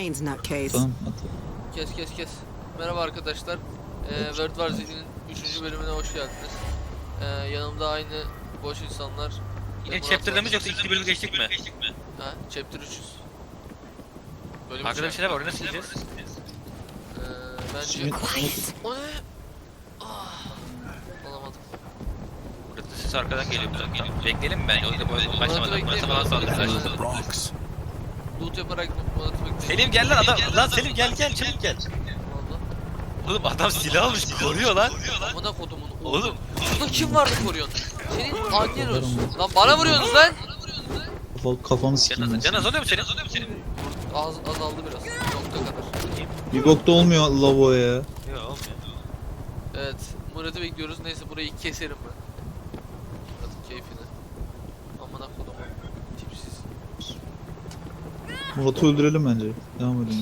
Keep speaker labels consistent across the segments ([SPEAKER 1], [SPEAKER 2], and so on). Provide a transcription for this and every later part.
[SPEAKER 1] brains, nutcase.
[SPEAKER 2] Tamam
[SPEAKER 3] Kes. Merhaba arkadaşlar. World War Z'nin 3. bölümüne hoş geldiniz. Yanımda aynı boş insanlar.
[SPEAKER 4] Yine chapter'da mı yoksa 2 bölüm geçtik mi?
[SPEAKER 3] Ha, chapter 300. Bölüm
[SPEAKER 4] Arkada bir
[SPEAKER 3] üç.
[SPEAKER 4] şeyler var, oraya nasıl gideceğiz?
[SPEAKER 3] Bence... O ne? Ah, alamadım.
[SPEAKER 4] Burada ses arkadan geliyor, buradan geliyor. Bekleyelim mi bence? O yüzden böyle başlamadan burası falan saldırır.
[SPEAKER 5] Bronx.
[SPEAKER 3] Loot yaparak Murat'ı bekleyin.
[SPEAKER 4] Selim gel lan adam. Lan Selim gel çabuk gel.
[SPEAKER 3] Valla.
[SPEAKER 4] Oğlum adam silah almış koruyor lan.
[SPEAKER 3] Amına kodumun.
[SPEAKER 4] Oğlum.
[SPEAKER 3] Burada kim vardı koruyorsun? Senin annen olsun. Lan bana vuruyorsunuz lan.
[SPEAKER 2] Kafamı sikeyim.
[SPEAKER 4] Can azalıyor mu senin?
[SPEAKER 3] Azaldı biraz. Nokta kadar.
[SPEAKER 2] Bir bokta olmuyor lavo ya.
[SPEAKER 4] Yok olmuyor.
[SPEAKER 3] Evet, Murat'ı bekliyoruz. Neyse burayı keserim ben. Murat'ın keyfine. Amına kodum. Tipsiz.
[SPEAKER 2] Murat'ı öldürelim bence. Devam edelim.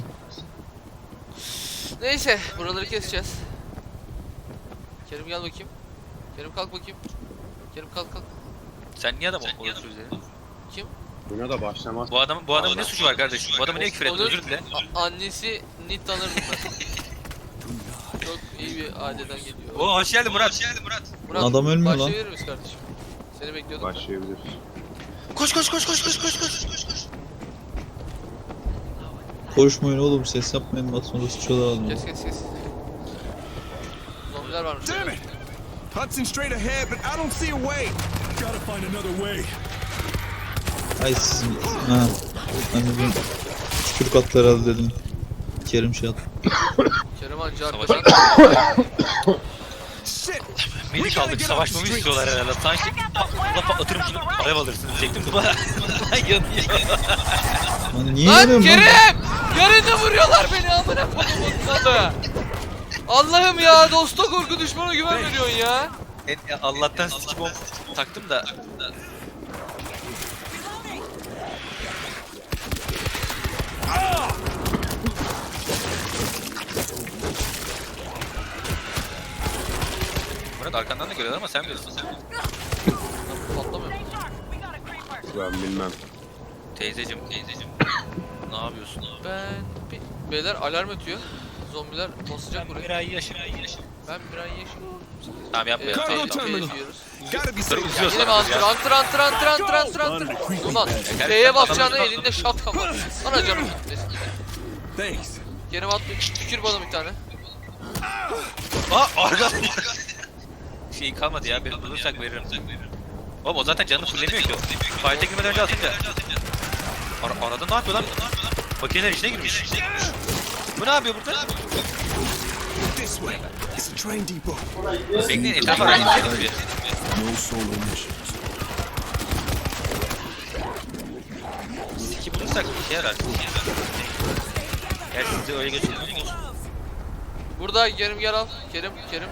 [SPEAKER 3] Neyse, buraları keseceğiz. Kerim gel bakayım. Kerim kalk bakayım. Kerim kalk.
[SPEAKER 4] Sen niye adam oluyorsun üzerine?
[SPEAKER 3] Kim?
[SPEAKER 5] Buna da başlamaz.
[SPEAKER 4] Bu adamın ne suçu var kardeşim? Bu adamı niye küfür ettin?
[SPEAKER 3] Onun
[SPEAKER 4] Özür dile.
[SPEAKER 3] Annesi Nit tanırdım ben. Çok iyi bir aileden geliyor.
[SPEAKER 4] Oo hoş geldin Murat.
[SPEAKER 3] Murat,
[SPEAKER 2] Adam ölmüyor lan.
[SPEAKER 3] başlayabilir miyiz kardeşim? Seni bekliyordum.
[SPEAKER 5] Başlayabiliriz.
[SPEAKER 4] Koş.
[SPEAKER 2] Konuşmayın oğlum, ses yapmayın, bak sonra sıçıyorlar adamı.
[SPEAKER 3] Kes. Zombiler varmış.
[SPEAKER 6] Damn it! Hudson straight ahead, but I don't see a way. Gotta find another way.
[SPEAKER 2] Ay sizin... Ha. Ben de bir tükürük attı herhalde dedim. Kerim şey attı.
[SPEAKER 3] Kerim anca arkadan.
[SPEAKER 6] Shit!
[SPEAKER 4] Melik aldık, savaşmamı istiyorlar herhalde. Sanki Allah patlatırım şunu, alev alırsınız diyecektim. Bana yanıyor.
[SPEAKER 2] Lan niye
[SPEAKER 3] Lan
[SPEAKER 2] yanıyorum
[SPEAKER 3] Kerim!
[SPEAKER 2] lan?
[SPEAKER 3] Yarın da vuruyorlar beni amına kodumun adı. Allah'ım ya, dosta korku düşmana güven veriyorsun ya.
[SPEAKER 4] Allah'tan sticky bomb taktım da. Murat arkandan da görüyorlar ama sen bilirsin.
[SPEAKER 3] Patlamıyor.
[SPEAKER 5] Ben bilmem.
[SPEAKER 4] Teyzecim. Ne yapıyorsun?
[SPEAKER 3] Beyler alarm ötüyor. Zombiler basacak
[SPEAKER 4] Ben
[SPEAKER 3] buraya.
[SPEAKER 4] bir ay yaşım.
[SPEAKER 3] Ben bir ay yaşıyorum.
[SPEAKER 4] Tamam yapma ya.
[SPEAKER 6] Cargo
[SPEAKER 4] Tamam.
[SPEAKER 6] terminal.
[SPEAKER 3] Yiyoruz.
[SPEAKER 6] Gotta be
[SPEAKER 4] Dur
[SPEAKER 6] safe.
[SPEAKER 4] uzuyoruz
[SPEAKER 3] Yine mi antır. Ulan B'ye bakacağına elinde şapka var. Sana canım gitmesin.
[SPEAKER 6] Thanks.
[SPEAKER 3] Kerim at tükür bana bir tane.
[SPEAKER 4] Arka. Şey kalmadı ya. Benim bulursak veririm. Oğlum o zaten canını fullemiyor ki o. Fight'e girmeden önce atınca. Arada ne yapıyor lan? Makineler içine girmiş. Bu ne yapıyor burada?
[SPEAKER 6] This way. It's a train depot.
[SPEAKER 4] Bekleyin etrafa arayın.
[SPEAKER 6] No solo missions.
[SPEAKER 4] Siki bulursak bir şey yarar. Gerçi sizi öyle geçiyorsunuz.
[SPEAKER 3] Burada Kerim gel al. Kerim.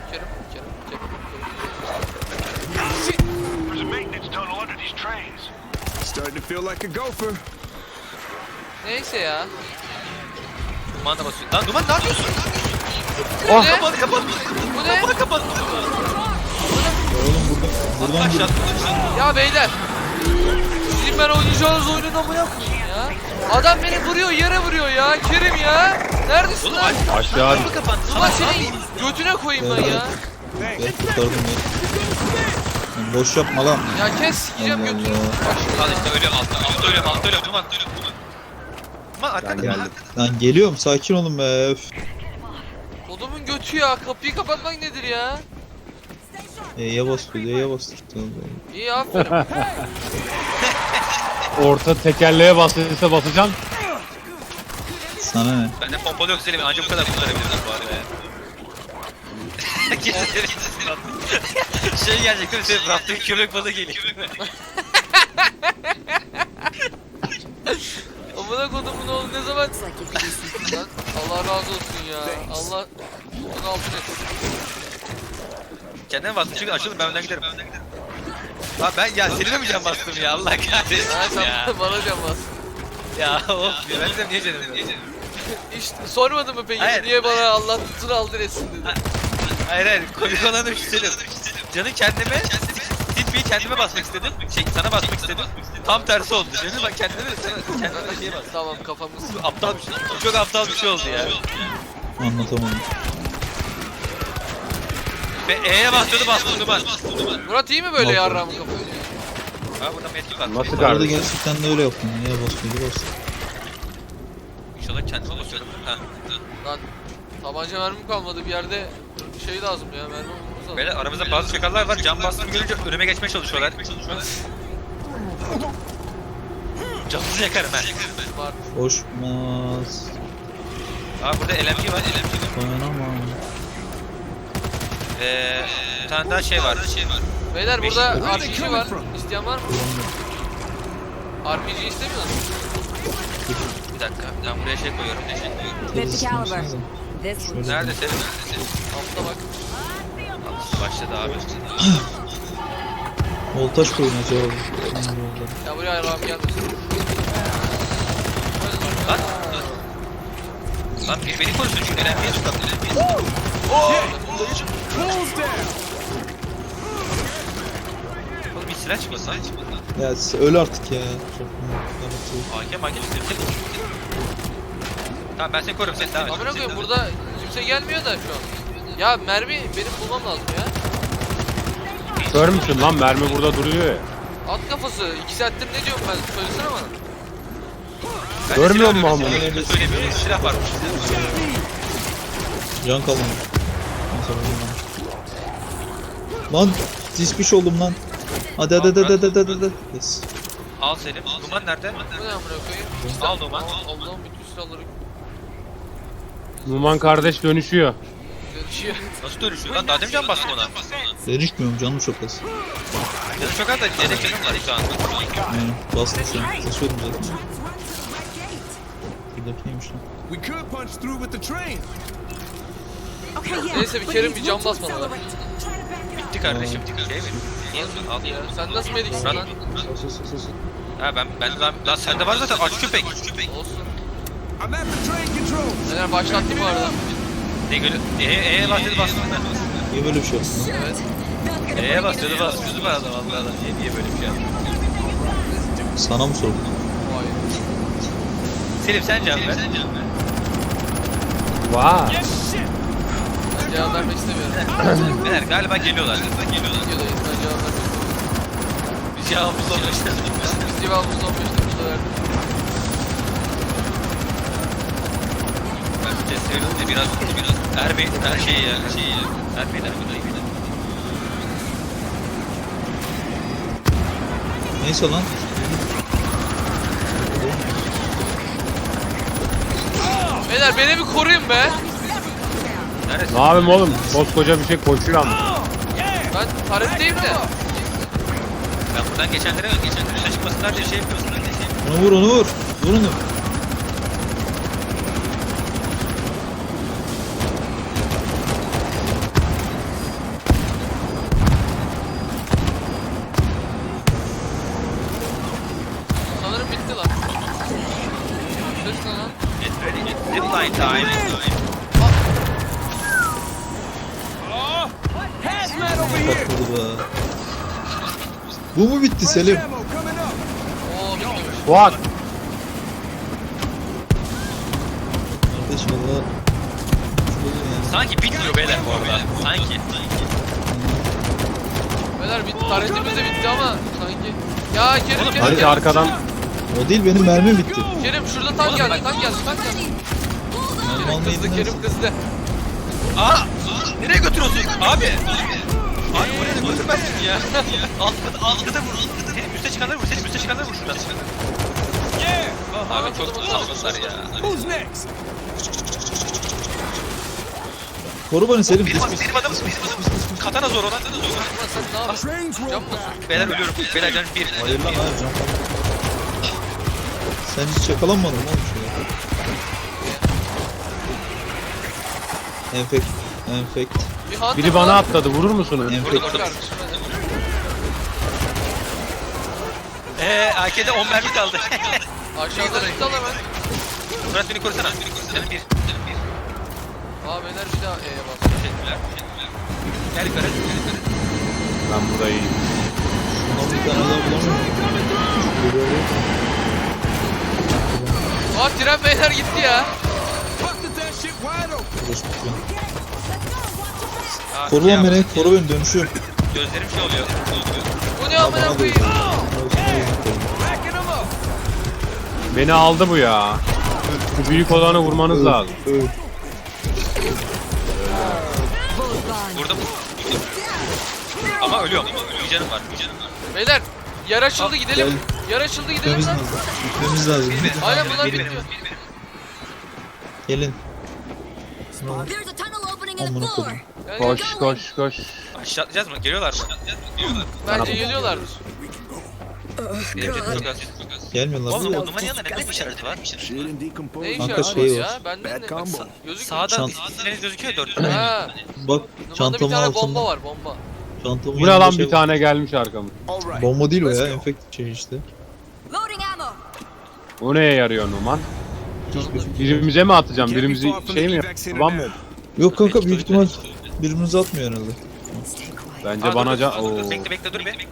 [SPEAKER 7] There's a maintenance tunnel under these trains.
[SPEAKER 6] Starting to feel like a gopher.
[SPEAKER 3] Neyse ya.
[SPEAKER 4] Duman da basıyor. Lan Duman ne yapıyorsun?
[SPEAKER 3] Bu ne?
[SPEAKER 4] Kapat.
[SPEAKER 3] Bu ne?
[SPEAKER 4] Kapat.
[SPEAKER 2] Oğlum buradan
[SPEAKER 4] Aşağı.
[SPEAKER 3] Ya beyler. Sizin ben oynayacağınız oyunun amına koyayım ya. Adam beni vuruyor, yere vuruyor ya. Kerim ya. Neredesin
[SPEAKER 4] Oğlum
[SPEAKER 3] lan?
[SPEAKER 5] Aşağı
[SPEAKER 4] kapı kapandı.
[SPEAKER 3] Ulan senin götüne koyayım ben ya.
[SPEAKER 2] gel kurtardım ya. Lan boş yapma lan.
[SPEAKER 3] Ya kes sikeceğim
[SPEAKER 2] Allah
[SPEAKER 3] götünü.
[SPEAKER 2] Allah.
[SPEAKER 3] Bak şimdi
[SPEAKER 4] Al
[SPEAKER 3] ya.
[SPEAKER 4] işte ölüyorum altta ölüyorum. Duman. Duman
[SPEAKER 5] Ben
[SPEAKER 4] arkada.
[SPEAKER 5] geldim.
[SPEAKER 2] Lan geliyorum, sakin olun be. Öf.
[SPEAKER 3] Kodumun götü ya. Kapıyı kapatmak nedir ya?
[SPEAKER 2] E'ye bastı, E'ye bastı.
[SPEAKER 3] İyi aferin.
[SPEAKER 8] Orta tekerleğe bastıysa basacağım.
[SPEAKER 2] Sana ne?
[SPEAKER 4] Bende pompalı yok Selim. Anca bu kadar kurtarabilirim bu arada ya. Şey gelecek değil mi? Senin raftaki köpek balığı geliyor.
[SPEAKER 3] Amına kodumun oğlu ne zaman... Lan Allah razı olsun ya. Allah onu altın etsin.
[SPEAKER 4] Kendine bastım çünkü açıldım ben önden giderim. Ha ben ya Selim'e mi can bastım ya Allah kahretsin
[SPEAKER 3] Ha
[SPEAKER 4] ya.
[SPEAKER 3] sen bana can bas.
[SPEAKER 4] Ya of ya ben de niye canım
[SPEAKER 3] İşte sormadın mı peki?
[SPEAKER 4] Hayır.
[SPEAKER 3] Niye bana Allah tutun altın etsin dedi.
[SPEAKER 4] Hayır komik olan da şu Selim. Canı kendime tip mermiyi kendime basmak istedim. Sana basmak istedim. Tam tersi oldu. Şimdi bak kendime de şeye bas.
[SPEAKER 3] Tamam kafamız.
[SPEAKER 4] Aptal bir şey. Çok aptal bir şey oldu ya.
[SPEAKER 2] Anlatamadım.
[SPEAKER 4] Ve E'ye bastırdı bastı Duman.
[SPEAKER 3] Murat iyi mi böyle
[SPEAKER 2] Yok.
[SPEAKER 3] yarrağımı kafayı?
[SPEAKER 4] Ha burada medkit var.
[SPEAKER 8] Nasıl
[SPEAKER 2] Arada
[SPEAKER 8] kardeşim?
[SPEAKER 2] gerçekten de öyle yaptım. Niye basmıyordu bastı.
[SPEAKER 4] İnşallah kendime basıyorum. Ha.
[SPEAKER 3] Lan tabanca mermim kalmadı bir yerde şey lazım ya mermi bulmamız lazım.
[SPEAKER 4] Böyle aramızda bazı çakallar var. Cam bastığımı görünce önüme geçmeye çalışıyorlar. Canınızı yakarım ha.
[SPEAKER 3] Var.
[SPEAKER 2] Hoşmaz.
[SPEAKER 4] Abi burada LMG var.
[SPEAKER 2] Dayanamam.
[SPEAKER 4] Bir tane daha şey var.
[SPEAKER 3] Beyler
[SPEAKER 4] Beş-
[SPEAKER 3] burada RPG var. İsteyen var mı? RPG istemiyor musun?
[SPEAKER 4] Bir dakika. Ben buraya şey koyuyorum.
[SPEAKER 1] 50 caliber. This one's
[SPEAKER 4] Nerede senin?
[SPEAKER 3] Altta bak.
[SPEAKER 4] Başladı abi.
[SPEAKER 2] Voltaj koyun acaba.
[SPEAKER 3] Ya buraya ayarlam gelmesin.
[SPEAKER 4] Lan. Lan beni korusun çünkü LMG'ye tutalım.
[SPEAKER 6] Close down.
[SPEAKER 4] Oğlum bir silah çıkmasın.
[SPEAKER 2] Ya siz öl artık ya. Çok
[SPEAKER 4] Hakem üstüne. Tamam ben seni korurum sen devam et.
[SPEAKER 3] Amına koyayım burada kimse gelmiyor da şu an. Ya mermi benim bulmam lazım ya.
[SPEAKER 8] Kör müsün lan? Mermi burada duruyor ya.
[SPEAKER 3] At kafası. 2 saattir ne diyorum ben? Söylesene bana.
[SPEAKER 4] Ben de
[SPEAKER 8] Görmüyor
[SPEAKER 4] silah
[SPEAKER 8] musun
[SPEAKER 4] arıyorum,
[SPEAKER 8] amına?
[SPEAKER 4] söylemiyorum. Silah varmış.
[SPEAKER 2] Can kalmadı. Lan dispiş oldum lan. Hadi. Yes.
[SPEAKER 4] Al Selim. Duman nerede?
[SPEAKER 3] Bu ne amına koyayım?
[SPEAKER 4] Al Duman.
[SPEAKER 3] Allah'ım bütün silahları
[SPEAKER 8] Numan kardeş dönüşüyor.
[SPEAKER 3] dönüşüyor.
[SPEAKER 4] Nasıl dönüşüyor lan? Daha demin can bastım ona.
[SPEAKER 2] Erişmiyorum canım çok az.
[SPEAKER 4] Canım çok az da yedek canım var şu an.
[SPEAKER 2] Yani bastım şu an. Basıyordum zaten. Buradaki neymiş lan?
[SPEAKER 6] We could punch through with the train.
[SPEAKER 1] Okay, yeah.
[SPEAKER 3] Neyse bir kere bir cam basmadı lan.
[SPEAKER 4] Bitti kardeşim. Şey mi? Al.
[SPEAKER 3] Ya sen nasıl mediksin
[SPEAKER 4] Lan.
[SPEAKER 3] lan?
[SPEAKER 4] Ha ben lan sende var zaten aç köpek.
[SPEAKER 3] Olsun.
[SPEAKER 6] I'm at the train control.
[SPEAKER 3] Neler başlattım bu arada.
[SPEAKER 4] Ne gülü? E'ye bastırdı bastırdı.
[SPEAKER 2] Niye böyle bir şey yaptın lan?
[SPEAKER 3] Evet.
[SPEAKER 4] E'ye bastırdı bastırdı bana da vallahi. Niye böyle bir şey yaptın?
[SPEAKER 2] Sana mı sordum?
[SPEAKER 3] Vay.
[SPEAKER 4] Selim sen can ver.
[SPEAKER 8] Vay.
[SPEAKER 3] Ben cevap vermek istemiyorum.
[SPEAKER 4] Beyler galiba geliyorlar.
[SPEAKER 3] Videodayız ben cevap vermek istemiyorum.
[SPEAKER 4] Biz cevabımızı olmuşlar.
[SPEAKER 3] Biz cevabımızı 15 dakikada verdik.
[SPEAKER 4] Ben bir test veriyorum da biraz Ermeyin her şeyi ya. Ermeyin.
[SPEAKER 2] Neyse lan.
[SPEAKER 3] Beyler beni bir koruyun be.
[SPEAKER 4] Neredesin?
[SPEAKER 8] Ne yapayım oğlum? Koskoca bir şey koşuyor ama.
[SPEAKER 3] Ben tarifteyim de.
[SPEAKER 4] Ben buradan geçenlere dışarı çıkmasınlar diye şey yapıyorsun.
[SPEAKER 2] Onu vur. Vur onu.
[SPEAKER 3] Sanırım bitti lan. Ses ne lan?
[SPEAKER 4] Get ready. Zipline time.
[SPEAKER 6] Hazmat over here.
[SPEAKER 2] Patladı be. Bu mu bitti Selim?
[SPEAKER 6] Ammo coming up.
[SPEAKER 3] Oo bitmemiş.
[SPEAKER 8] What?
[SPEAKER 2] Kardeş valla.
[SPEAKER 4] Sanki bitmiyor beyler bu arada. Sanki.
[SPEAKER 3] Beyler bitti. Tarifimiz de bitti ama sanki. Ya Kerim
[SPEAKER 8] Hadi arkadan.
[SPEAKER 2] O değil benim mermim bitti.
[SPEAKER 3] Kerim şurada tank geldi. Tank geldi.
[SPEAKER 2] Mermi almayı
[SPEAKER 3] Kızdı Kerim kızdı.
[SPEAKER 4] Aa! Nereye götürüyorsun? Abi! Abi buraya da götürmezsin ya. Altta vur. Senin üste çıkanları vur. Senin üste çıkanları vur şuradan. Abi çok saçmalar ya.
[SPEAKER 6] Who's next?
[SPEAKER 2] Koru beni Selim.
[SPEAKER 4] Benim adamım. Katana zor ona.
[SPEAKER 3] Ulan sen ne yapıyorsun?
[SPEAKER 6] Trains roll
[SPEAKER 3] Cam mı?
[SPEAKER 6] back.
[SPEAKER 4] Beyler ölüyorum. Beyler canım bir.
[SPEAKER 2] Hayır lan hayır can kalmadı. Sen hiç yakalanmadın mı oğlum şuraya? Enfekt.
[SPEAKER 3] Bir hunter
[SPEAKER 8] Biri bana
[SPEAKER 3] var.
[SPEAKER 8] atladı. Vurur musunuz?
[SPEAKER 2] Enfekt.
[SPEAKER 3] Kardeşim,
[SPEAKER 4] AK'de 10 mermi kaldı.
[SPEAKER 3] aşağıda tutal hemen.
[SPEAKER 4] Murat beni korusana. Canım bir.
[SPEAKER 3] Aa beyler bir daha E'ye bas.
[SPEAKER 4] Teşekkürler. Gel yukarı.
[SPEAKER 8] Ben burada iyiyim.
[SPEAKER 2] Lan bir tane daha bulamıyorum.
[SPEAKER 3] Aa tren beyler gitti ya.
[SPEAKER 6] Busted that shit wide open.
[SPEAKER 4] Aa,
[SPEAKER 2] Koru lan beni, koru beni, dönüşüyorum.
[SPEAKER 4] Gözlerim şey oluyor.
[SPEAKER 3] Bu ne amına koyayım?
[SPEAKER 6] Backing them up.
[SPEAKER 8] Beni aldı bu ya. Şu büyük olanı vurmanız lazım.
[SPEAKER 2] Öl.
[SPEAKER 4] Vurdum. Ama ölüyorum. Bir canım var.
[SPEAKER 3] Beyler yer açıldı gidelim.
[SPEAKER 2] Gel.
[SPEAKER 3] Yer açıldı gidelim
[SPEAKER 2] Gitmemiz
[SPEAKER 3] lan.
[SPEAKER 2] lazım. Gitmemiz lazım.
[SPEAKER 3] Aynen bunlar
[SPEAKER 4] Gelin.
[SPEAKER 3] gidiyor.
[SPEAKER 2] Gelin.
[SPEAKER 1] There's a tunnel opening in the
[SPEAKER 2] Amına
[SPEAKER 1] floor.
[SPEAKER 2] koyayım.
[SPEAKER 3] Gel,
[SPEAKER 8] Koş
[SPEAKER 3] gel.
[SPEAKER 8] koş koş.
[SPEAKER 4] Aşağı atlayacağız mı? Geliyorlar mı?
[SPEAKER 3] Bence geliyorlardır.
[SPEAKER 4] Çok az.
[SPEAKER 2] Gelmiyorlar.
[SPEAKER 4] Oğlum
[SPEAKER 2] mı?
[SPEAKER 4] o numaranın yanında ne işareti var?
[SPEAKER 6] Shit and decomposed.
[SPEAKER 3] Ne
[SPEAKER 2] Kanka
[SPEAKER 3] işareti
[SPEAKER 2] şey
[SPEAKER 3] var
[SPEAKER 2] var.
[SPEAKER 3] ya? Benden de.
[SPEAKER 6] Bad combo.
[SPEAKER 3] Gözükmüyor.
[SPEAKER 4] Sağdan
[SPEAKER 2] Çant-
[SPEAKER 4] isminiz gözüküyor 4.
[SPEAKER 3] Ha.
[SPEAKER 2] Bak
[SPEAKER 3] Numanda bir
[SPEAKER 2] çantamın
[SPEAKER 3] tane bomba
[SPEAKER 2] altında.
[SPEAKER 3] var bomba.
[SPEAKER 2] Çantamın
[SPEAKER 8] Bu ne
[SPEAKER 2] yanında
[SPEAKER 8] lan
[SPEAKER 2] şey
[SPEAKER 8] bir tane gelmiş arkamı.
[SPEAKER 6] All right.
[SPEAKER 2] Bomba değil o
[SPEAKER 6] Let's
[SPEAKER 2] ya.
[SPEAKER 6] go.
[SPEAKER 2] Enfekte şey işte.
[SPEAKER 1] Loading ammo.
[SPEAKER 8] O neye yarıyor Numan? Birimize mi atacağım? Birimizi şey mi yapmam mı?
[SPEAKER 2] Yok kanka büyük ihtimal birbirimize atmıyor herhalde.
[SPEAKER 8] Bence bana can... Oo.
[SPEAKER 4] Bekle dur be.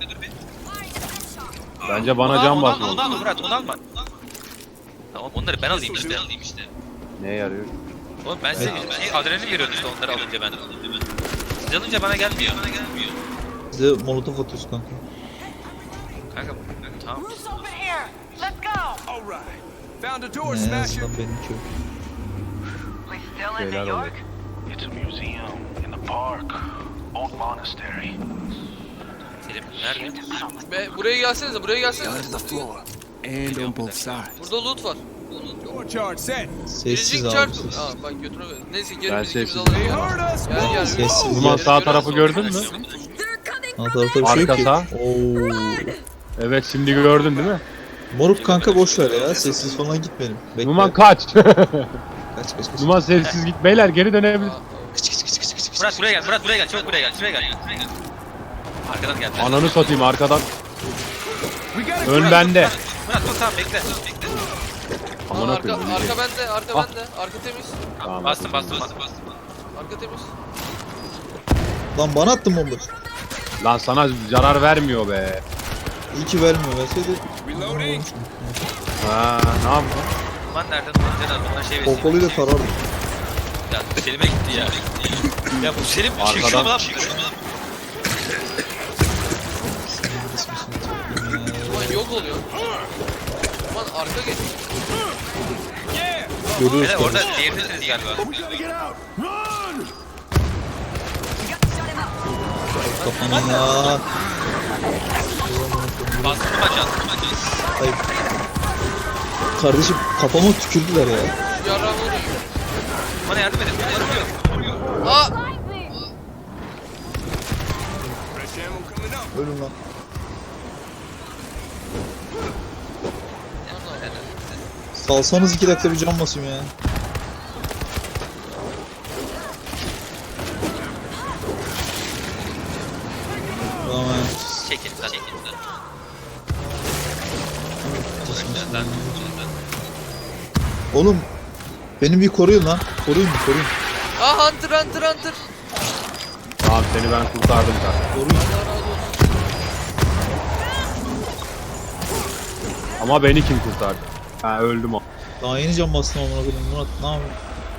[SPEAKER 8] Bence bana can
[SPEAKER 4] Onu
[SPEAKER 8] basmalı.
[SPEAKER 4] alma Murat onu alma. Tamam onları ben alayım işte.
[SPEAKER 8] Neye yarıyor?
[SPEAKER 4] Oğlum ben size adrenalin veriyorum işte onları alınca ben. Siz alınca bana gelmiyor.
[SPEAKER 2] Bize molotof atıyoruz kanka.
[SPEAKER 4] Kanka tamam.
[SPEAKER 7] Roof's open here. Let's go.
[SPEAKER 6] All right. Found a door
[SPEAKER 2] Ne
[SPEAKER 6] smasher.
[SPEAKER 2] azından benimki yok.
[SPEAKER 7] We still in
[SPEAKER 8] Şeyler
[SPEAKER 7] New
[SPEAKER 8] oluyor.
[SPEAKER 7] York? It's a museum in the park. Old monastery.
[SPEAKER 4] Selim nerede?
[SPEAKER 3] Buraya gelsenize buraya gelsenize.
[SPEAKER 6] Down to the floor. And on both sides.
[SPEAKER 3] Burada loot var.
[SPEAKER 6] Door charge set.
[SPEAKER 2] Sessiz
[SPEAKER 3] Birinci
[SPEAKER 2] abi
[SPEAKER 3] çarp.
[SPEAKER 2] sessiz.
[SPEAKER 3] Aa bak götüne ver. Neyse geri
[SPEAKER 8] Ben
[SPEAKER 3] biz ikimiz
[SPEAKER 8] sessiz.
[SPEAKER 3] alalım.
[SPEAKER 6] They
[SPEAKER 3] Gel
[SPEAKER 6] heard us.
[SPEAKER 3] gel. gel.
[SPEAKER 2] Sessiz.
[SPEAKER 8] Numan
[SPEAKER 2] Gel.
[SPEAKER 8] sağ tarafı gördün mü?
[SPEAKER 1] They're coming
[SPEAKER 2] Alt
[SPEAKER 1] from
[SPEAKER 2] tarafta bir şey yok ki.
[SPEAKER 8] Arka sağ.
[SPEAKER 2] Oo.
[SPEAKER 8] Evet şimdi gördün değil mi?
[SPEAKER 2] Moruk kanka boş ver ya. Sessiz falan gitmeyelim. Bekle.
[SPEAKER 8] Numan kaç.
[SPEAKER 2] Kaç kaç.
[SPEAKER 8] Numan sessiz git. Beyler geri dönebilir.
[SPEAKER 4] Murat buraya gel. Murat buraya gel. Çabuk buraya gel. Şuraya gel. Arkadan gel.
[SPEAKER 8] Ananı satayım arkadan.
[SPEAKER 6] We gotta
[SPEAKER 8] Ön bende.
[SPEAKER 4] Murat dur tamam bekle.
[SPEAKER 3] Aa,
[SPEAKER 8] Amına
[SPEAKER 3] arka,
[SPEAKER 8] koyayım.
[SPEAKER 3] arka bende, arka
[SPEAKER 8] Ah.
[SPEAKER 3] bende. Arka temiz.
[SPEAKER 8] Tamam.
[SPEAKER 4] Bastım.
[SPEAKER 3] Arka temiz.
[SPEAKER 2] Lan bana attın bomba.
[SPEAKER 8] Lan sana zarar vermiyor be.
[SPEAKER 2] İyi ki vermiyor. Verseydi.
[SPEAKER 6] Reloading.
[SPEAKER 8] Ha ne yaptın?
[SPEAKER 4] Numan nerede? Numan Caner. Bundan şey versin.
[SPEAKER 2] Pompalıyla tarardım.
[SPEAKER 4] Ya Selim'e gitti ya. Ya bu Selim
[SPEAKER 8] Arkadan-
[SPEAKER 4] çekiyor mu lan?
[SPEAKER 3] Ulan yok oluyor. Ulan arka geç.
[SPEAKER 2] Görüyoruz
[SPEAKER 4] Beyler orada
[SPEAKER 2] kanka.
[SPEAKER 4] diğerini galiba.
[SPEAKER 6] We gotta get out. Run.
[SPEAKER 2] Kafana ya.
[SPEAKER 4] Bastım maçan.
[SPEAKER 2] Hayır. Kardeşim kafama tükürdüler ya.
[SPEAKER 3] Yarrağı vuruyor.
[SPEAKER 4] Bana yardım edin.
[SPEAKER 3] Aa!
[SPEAKER 6] Fresh ammo coming up.
[SPEAKER 2] Ölün lan. Salsanız 2 dakika bir can basayım ya. Tamam.
[SPEAKER 4] Çekil lan.
[SPEAKER 2] Oğlum beni bir koruyun lan. Koruyun.
[SPEAKER 3] Aa Hunter.
[SPEAKER 8] Tamam seni ben kurtardım zaten.
[SPEAKER 2] Koruyun.
[SPEAKER 3] Allah razı olsun.
[SPEAKER 8] Ama beni kim kurtardı? Ha öldüm o.
[SPEAKER 2] Daha yeni can bastım amına koyayım. Murat ne yapıyorsun?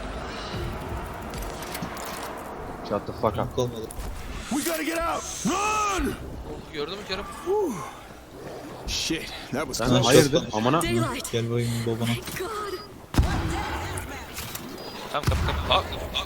[SPEAKER 8] Shut the fuck up.
[SPEAKER 2] Kalmadı.
[SPEAKER 6] We gotta get out. Run.
[SPEAKER 3] Oh, gördün mü Kerem?
[SPEAKER 6] Shit, that was
[SPEAKER 8] Sen
[SPEAKER 2] Ha,
[SPEAKER 8] hayırdır?
[SPEAKER 2] shotgun.
[SPEAKER 8] Amına.
[SPEAKER 1] Daylight.
[SPEAKER 2] Gel bakayım babana.
[SPEAKER 1] God.
[SPEAKER 4] Tamam kapı. Aa.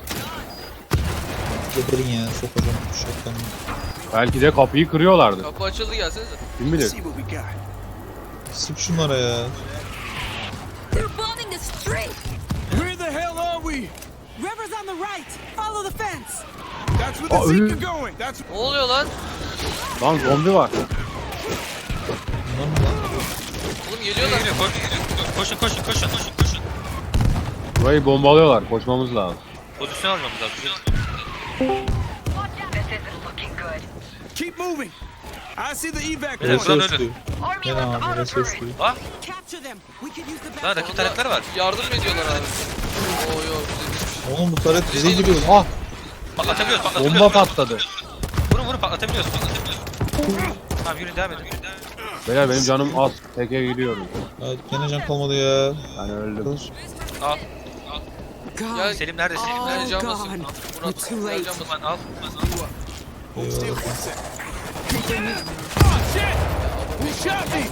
[SPEAKER 2] Geberin ya. Sokacağım. Şapkanı.
[SPEAKER 8] Belki de kapıyı kırıyorlardı.
[SPEAKER 3] Kapı açıldı gelsenize.
[SPEAKER 8] Kim
[SPEAKER 6] Let's
[SPEAKER 8] bilir?
[SPEAKER 6] see what we got.
[SPEAKER 2] Sık şunlara ya.
[SPEAKER 1] They're bombing the street.
[SPEAKER 6] Where the hell are we?
[SPEAKER 1] River's on the right. Follow the fence.
[SPEAKER 6] That's where the
[SPEAKER 8] ölü-
[SPEAKER 6] Zeke are going. That's
[SPEAKER 3] Ne oluyor lan?
[SPEAKER 8] Lan zombi var.
[SPEAKER 2] Bunlar mı lan?
[SPEAKER 3] Oğlum geliyorlar.
[SPEAKER 4] Geliyor, koşun.
[SPEAKER 8] Burayı bombalıyorlar. Koşmamız lazım.
[SPEAKER 4] Pozisyon almamız lazım.
[SPEAKER 7] This isn't looking good.
[SPEAKER 6] keep moving. I see the evac
[SPEAKER 4] Beyler,
[SPEAKER 6] point.
[SPEAKER 4] buradan
[SPEAKER 2] Reses
[SPEAKER 4] ölün.
[SPEAKER 2] diyor.
[SPEAKER 7] Army
[SPEAKER 2] Gene
[SPEAKER 7] left
[SPEAKER 2] abi
[SPEAKER 7] auto
[SPEAKER 2] reses
[SPEAKER 7] turret.
[SPEAKER 2] diyor.
[SPEAKER 4] Ha?
[SPEAKER 1] Capture them. We could use the
[SPEAKER 4] Lan rakip taretler var.
[SPEAKER 3] Yardım mı ediyorlar abi? Oo yok bize
[SPEAKER 2] Oğlum bu taret bize giriyor.
[SPEAKER 8] Ah!
[SPEAKER 4] Patlatabiliyoruz.
[SPEAKER 8] Bomba patladı.
[SPEAKER 4] Vurun patlatabiliyoruz. Tamam yürü devam edin.
[SPEAKER 8] Beyler benim canım az. Teke gidiyorum.
[SPEAKER 2] Ya gene can kalmadı ya.
[SPEAKER 8] Ben öldüm.
[SPEAKER 4] Al.
[SPEAKER 1] God.
[SPEAKER 4] Selim neredesin?
[SPEAKER 1] Oh,
[SPEAKER 3] Ben can
[SPEAKER 1] God.
[SPEAKER 3] basıyorum.
[SPEAKER 1] We're
[SPEAKER 3] Murat,
[SPEAKER 1] too late.
[SPEAKER 3] can basıyorum.
[SPEAKER 4] Al.
[SPEAKER 2] Eyvallah.
[SPEAKER 6] He shot me!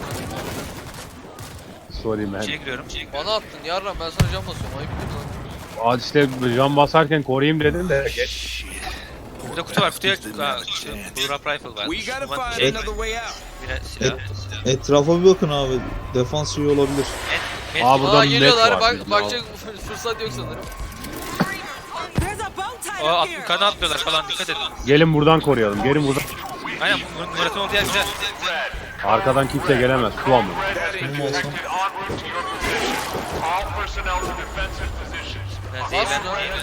[SPEAKER 8] Sorry man.
[SPEAKER 4] İçeri giriyorum.
[SPEAKER 3] Bana attın yarram, ben sana can basıyorum. Ayıp değil mi lan?
[SPEAKER 8] Aa işte can basarken koruyayım dedim de geç.
[SPEAKER 4] Burada kutu var. Kutuya Blue Rap Rifle var.
[SPEAKER 6] We gotta
[SPEAKER 4] Ulan
[SPEAKER 6] find
[SPEAKER 4] şey,
[SPEAKER 6] another way out.
[SPEAKER 4] yine silah.
[SPEAKER 2] Etrafa bir bakın abi. Defans iyi olabilir.
[SPEAKER 8] Aa burada
[SPEAKER 3] Aa
[SPEAKER 8] net
[SPEAKER 3] geliyorlar,
[SPEAKER 8] var.
[SPEAKER 3] bak, bakacak fırsat yok sanırım.
[SPEAKER 1] There's a bow tied
[SPEAKER 4] Aa
[SPEAKER 1] up here.
[SPEAKER 4] yukarıdan atlıyorlar falan, dikkat edin.
[SPEAKER 8] Gelin buradan koruyalım. Gelin buradan.
[SPEAKER 4] Aynen Murat'ın olduğu yer güzel.
[SPEAKER 8] Arkadan kimse gelemez. Su alın.
[SPEAKER 2] Benim olsam
[SPEAKER 7] En route to your position. All personnel to defensive positions.
[SPEAKER 4] Ben zehirlen.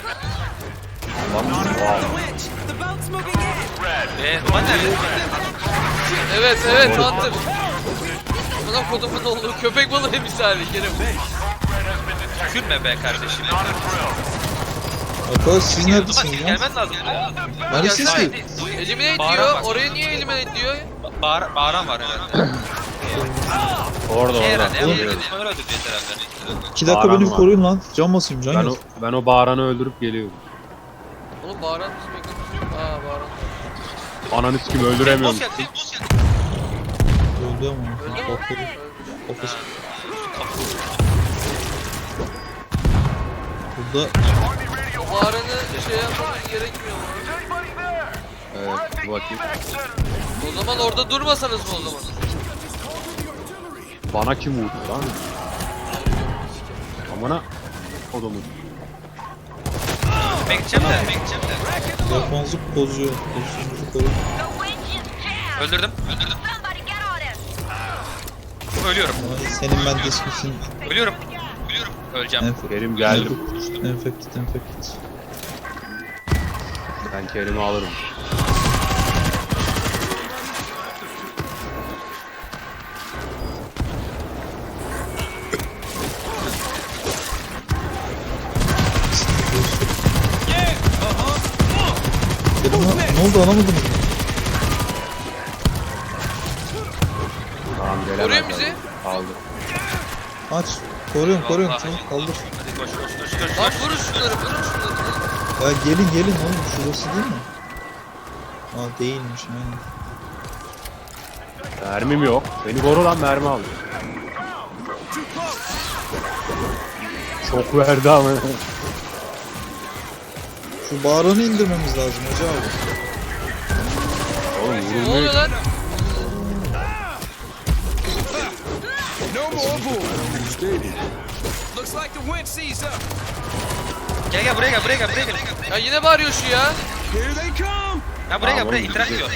[SPEAKER 1] The winch. The boat's moving in.
[SPEAKER 4] Duman nerede?
[SPEAKER 3] Evet, Hunter. Bana kodumun olduğu köpek balığı misali Kerim.
[SPEAKER 4] Tükürme be kardeşim.
[SPEAKER 2] arkadaş siz
[SPEAKER 4] Duman
[SPEAKER 2] neredesiniz lan?
[SPEAKER 4] gelmen lazım buraya.
[SPEAKER 2] Neredesiniz ki?
[SPEAKER 3] Eliminate
[SPEAKER 4] Bağıran
[SPEAKER 3] diyor,
[SPEAKER 4] var.
[SPEAKER 3] oraya niye eliminate diyor?
[SPEAKER 4] Bağıran var herhalde.
[SPEAKER 8] Orada
[SPEAKER 4] Şey
[SPEAKER 8] orada.
[SPEAKER 4] herhalde. Ya, düşmanları öldüreceğiz herhalde.
[SPEAKER 2] 2 dakika
[SPEAKER 8] Bağıran
[SPEAKER 2] beni
[SPEAKER 8] var.
[SPEAKER 2] koruyun lan. Can basayım can
[SPEAKER 8] Ben
[SPEAKER 2] yok.
[SPEAKER 8] o bağıranı öldürüp geliyorum.
[SPEAKER 3] Oğlum bağıran bizim ekranımız. Aa bağıran.
[SPEAKER 8] Ananı sikim öldüremiyorum.
[SPEAKER 4] Boss geldi.
[SPEAKER 2] Öldü ama.
[SPEAKER 3] Öldü mü?
[SPEAKER 2] Bakları. Ofis. Burada
[SPEAKER 3] O bağıranı şey yapmamız gerekmiyor mu?
[SPEAKER 8] Evet bakayım.
[SPEAKER 3] O zaman orada durmasanız mı o zaman?
[SPEAKER 8] Bana kim vurdu lan? Amına odumun.
[SPEAKER 4] Ben gideceğim de.
[SPEAKER 2] defansı bozuyor. Pozisyonunuzu koruyun.
[SPEAKER 4] Öldürdüm. Ölüyorum.
[SPEAKER 2] Ay, senin ben dismisin.
[SPEAKER 4] Ölüyorum. Öleceğim.
[SPEAKER 8] Kerim geldim.
[SPEAKER 2] Enfekt.
[SPEAKER 8] Ben Kerim'i alırım.
[SPEAKER 2] Dedim lan ne oldu anlamadım.
[SPEAKER 8] Tamam gelemez.
[SPEAKER 3] Koruyun bizi.
[SPEAKER 8] Aldı.
[SPEAKER 2] Aç. Koruyorum
[SPEAKER 4] Vallahi.
[SPEAKER 2] çabuk kaldır.
[SPEAKER 4] Hadi koş.
[SPEAKER 3] Lan vurun şunları.
[SPEAKER 2] Ya gelin oğlum şurası değil mi? Aa değilmiş aynen.
[SPEAKER 8] Mermim yok. Beni koru lan mermi al. Çok verdi ama.
[SPEAKER 2] Şu bağıranı indirmemiz lazım hoca abi.
[SPEAKER 8] Oğlum
[SPEAKER 3] Ne
[SPEAKER 8] vurulmuyor.
[SPEAKER 3] oluyor lan?
[SPEAKER 6] No more bull. Looks like the winch sees up.
[SPEAKER 4] Gel buraya gel.
[SPEAKER 3] Ya yine bağırıyor şu ya.
[SPEAKER 6] Here they come.
[SPEAKER 4] Ha buraya
[SPEAKER 8] Tamam,
[SPEAKER 4] gel. İtiraz
[SPEAKER 8] gidiyor.
[SPEAKER 4] ediyor.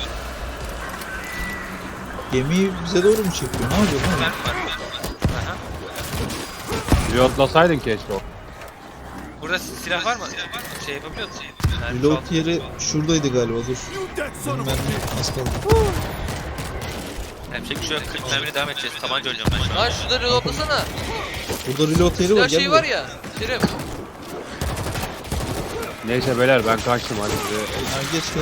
[SPEAKER 2] Gemiyi bize doğru mu çekiyor? Ne yapıyor lan?
[SPEAKER 4] Aha.
[SPEAKER 8] Reloadlasaydın keşke o.
[SPEAKER 4] Burada silah var mı? Şey yapabiliyor musun?
[SPEAKER 2] Reload yeri şuradaydı galiba dur.
[SPEAKER 6] You that son
[SPEAKER 2] Benim
[SPEAKER 6] of a
[SPEAKER 2] mermi
[SPEAKER 6] bitch.
[SPEAKER 2] az kaldı.
[SPEAKER 4] Yapacak bir şey yok. 40 mermiyle devam edeceğiz. Tabanca oynayacağım ben şu an.
[SPEAKER 3] Lan şurada reloadlasana.
[SPEAKER 2] Burada reload yeri var
[SPEAKER 3] Ya
[SPEAKER 2] gel
[SPEAKER 3] şey
[SPEAKER 2] buraya.
[SPEAKER 3] var ya. Kerim.
[SPEAKER 8] Neyse beyler ben kaçtım hadi size.
[SPEAKER 2] Ha, geç gel.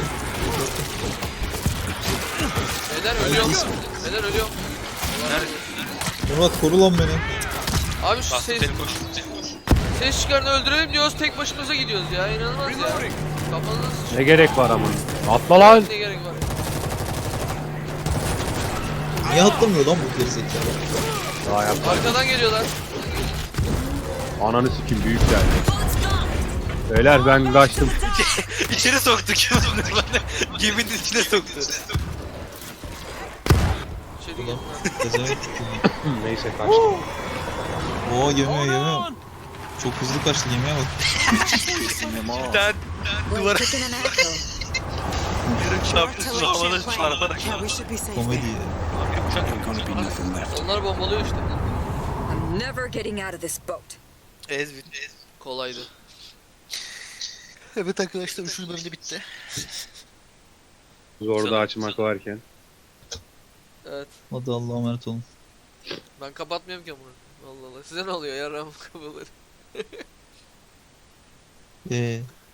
[SPEAKER 3] Beyler ölüyorum.
[SPEAKER 2] Murat koru lan beni.
[SPEAKER 3] Abi şu
[SPEAKER 4] Bastım
[SPEAKER 3] ses,
[SPEAKER 4] seni koş.
[SPEAKER 3] ses çıkarını öldürelim diyoruz, tek başımıza gidiyoruz ya. İnanılmaz ya. Kafanız
[SPEAKER 8] Ne gerek var ama. Atla lan.
[SPEAKER 3] ne gerek var?
[SPEAKER 2] Niye atlamıyor lan bu gerizekalı?
[SPEAKER 8] Daha yapma.
[SPEAKER 3] Arkadan geliyorlar.
[SPEAKER 8] Ananı sikim büyük geldi. Beyler ben kaçtım.
[SPEAKER 4] İçeri soktuk. Geminin içine soktu.
[SPEAKER 3] İçeri
[SPEAKER 2] Ulan
[SPEAKER 3] girdim
[SPEAKER 2] gezemek tutuldu.
[SPEAKER 8] Neyse kaçtım.
[SPEAKER 2] Oo gemiye. Çok hızlı kaçtı gemiye bak.
[SPEAKER 4] Bir tane duvara yarım çarpıyorsun havada çarparak.
[SPEAKER 1] Yeah, we should be safe.
[SPEAKER 2] Komedi ya.
[SPEAKER 4] Bir uçak yok.
[SPEAKER 3] ben. Onlar bombalıyor işte.
[SPEAKER 1] I'm never getting out of this boat.
[SPEAKER 4] Ezbin.
[SPEAKER 3] Kolaydı.
[SPEAKER 4] Evet arkadaşlar 3. bölümde bitti.
[SPEAKER 8] Zorda açmak varken.
[SPEAKER 3] Evet.
[SPEAKER 2] Hadi Allah'a emanet olun.
[SPEAKER 3] Ben kapatmıyorum ki bunu. Allah Allah. Size ne oluyor ya Ram kafaları?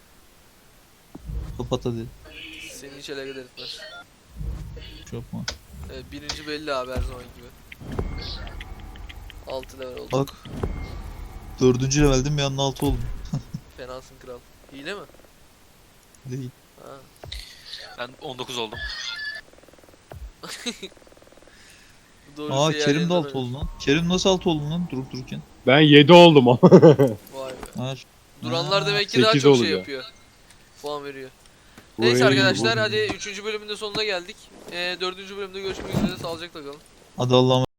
[SPEAKER 2] Kapat hadi.
[SPEAKER 3] Seni hiç alakadar etmez.
[SPEAKER 2] Çok mu?
[SPEAKER 3] Evet, birinci belli abi her zaman gibi. 6 level oldu.
[SPEAKER 2] Bak. 4. leveldim bir anda 6 oldum.
[SPEAKER 3] Fenasın kral. Hile mi?
[SPEAKER 2] Değil.
[SPEAKER 3] Ha.
[SPEAKER 4] Ben 19 oldum.
[SPEAKER 3] Doğru
[SPEAKER 2] Aa
[SPEAKER 3] şey
[SPEAKER 2] Kerim de
[SPEAKER 3] yerlerinden
[SPEAKER 2] 6 oldu lan. Kerim nasıl 6 oldu lan durup dururken?
[SPEAKER 8] Ben 7 oldum ama.
[SPEAKER 3] Vay be.
[SPEAKER 2] Ha,
[SPEAKER 3] Duranlar
[SPEAKER 2] ha,
[SPEAKER 3] demek ki daha
[SPEAKER 8] 8
[SPEAKER 3] çok şey
[SPEAKER 8] oluyor.
[SPEAKER 3] yapıyor. Puan veriyor.
[SPEAKER 8] Bu
[SPEAKER 3] Neyse
[SPEAKER 8] en-
[SPEAKER 3] arkadaşlar hadi 3. bölümün de sonuna geldik. 4. bölümde görüşmek üzere. Sağlıcakla kalın.
[SPEAKER 2] Hadi Allah'ım.